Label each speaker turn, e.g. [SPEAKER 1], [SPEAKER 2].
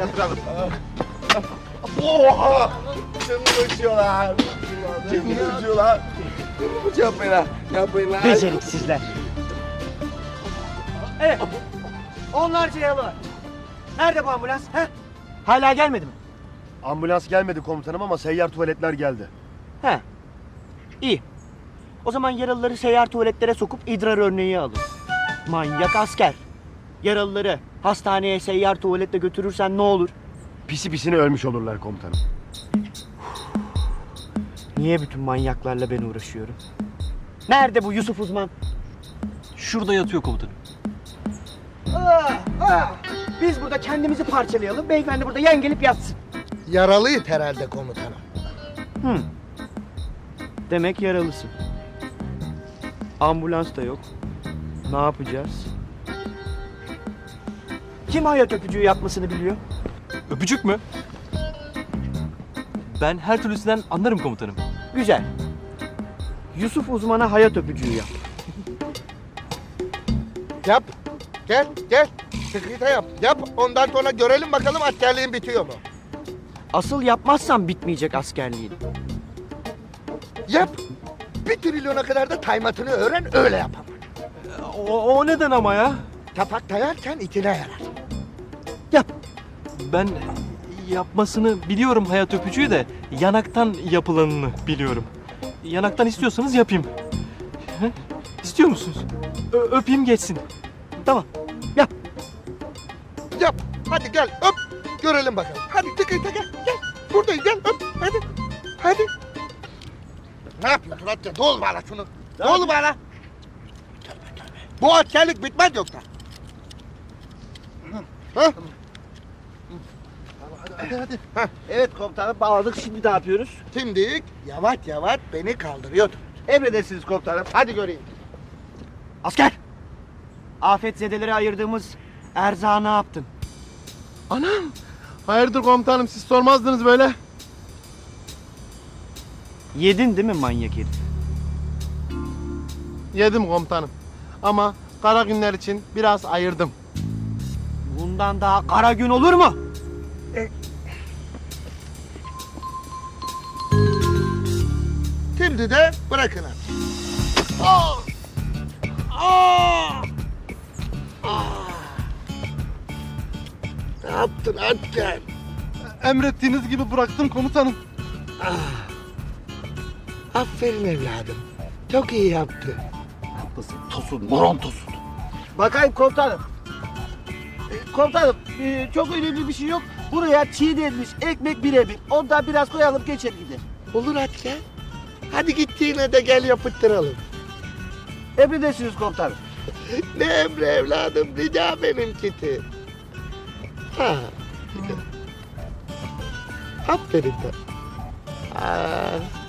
[SPEAKER 1] yatıralım.
[SPEAKER 2] Oha! Canım acıyor lan. Canım acıyor lan. Yapmayın lan. Yapmayın lan.
[SPEAKER 1] Beceriksizler. Evet. Onlarca yaralı var. Nerede bu ambulans? He? Hala gelmedi mi?
[SPEAKER 2] Ambulans gelmedi komutanım ama seyyar tuvaletler geldi.
[SPEAKER 1] He. İyi. O zaman yaralıları seyyar tuvaletlere sokup idrar örneği alın. Manyak asker. Yaralıları hastaneye seyyar tuvaletle götürürsen ne olur?
[SPEAKER 2] Pisi pisine ölmüş olurlar komutanım.
[SPEAKER 1] Niye bütün manyaklarla ben uğraşıyorum? Nerede bu Yusuf uzman?
[SPEAKER 3] Şurada yatıyor komutanım.
[SPEAKER 1] Biz burada kendimizi parçalayalım. Beyefendi burada yan gelip yatsın.
[SPEAKER 4] Yaralıyız herhalde komutanım.
[SPEAKER 1] Demek yaralısın. Ambulans da yok. Ne yapacağız? Kim hayat öpücüğü yapmasını biliyor?
[SPEAKER 3] Öpücük mü? Ben her türlüsünden anlarım komutanım.
[SPEAKER 1] Güzel. Yusuf uzmana hayat öpücüğü yap.
[SPEAKER 4] Yap. Gel gel. Sıkıntı yap. Yap. Ondan sonra görelim bakalım askerliğin bitiyor mu?
[SPEAKER 1] Asıl yapmazsan bitmeyecek askerliğin.
[SPEAKER 4] Yap. 1 trilyona kadar da taymatını öğren öyle yap ama.
[SPEAKER 3] O neden ama ya?
[SPEAKER 4] Tapak dayarken itine yarar.
[SPEAKER 1] Yap.
[SPEAKER 3] Ben yapmasını biliyorum hayat öpücüğü de yanaktan yapılanını biliyorum. Yanaktan istiyorsanız yapayım. He? İstiyor musunuz? Öpeyim geçsin.
[SPEAKER 1] Tamam. Yap.
[SPEAKER 4] Yap. Hadi gel öp. Görelim bakalım. Hadi tıkıyta gel. Gel. Buradayım gel öp. Hadi. Hadi. Ne yapıyorsun Atya? Dol bana şunu. Dol bana. Bu askerlik bitmez yoksa. Hah. Hadi. Hah.
[SPEAKER 1] Evet komutanım bağladık. Şimdi ne yapıyoruz?
[SPEAKER 4] Şimdi yavaş yavaş beni kaldırıyordu.
[SPEAKER 1] Emredersiniz komutanım.
[SPEAKER 4] Hadi göreyim.
[SPEAKER 1] Asker! Afetzedelere ayırdığımız erzağı ne yaptın?
[SPEAKER 5] Anam! Hayırdır komutanım, siz sormazdınız böyle.
[SPEAKER 1] Yedin değil mi manyak herif?
[SPEAKER 5] Yedim komutanım. Ama kara günler için biraz ayırdım.
[SPEAKER 1] Bundan daha kara gün olur mu?
[SPEAKER 4] Şimdi de bırakın artık. Ne yaptın asker?
[SPEAKER 5] Emrettiğiniz gibi bıraktım komutanım.
[SPEAKER 4] Aferin evladım. Çok iyi yaptı.
[SPEAKER 1] Bakayım komutanım. Komutanım çok önemli bir şey yok. Buraya çiğnenmiş ekmek birebir. Ondan biraz koyalım geçer gider.
[SPEAKER 4] Olur asker. Hadi gittiğine de gel yapıttıralım.
[SPEAKER 1] Emredersiniz komutanım.
[SPEAKER 4] Ne emri evladım, rica benimkisi. Ha. Aferin de.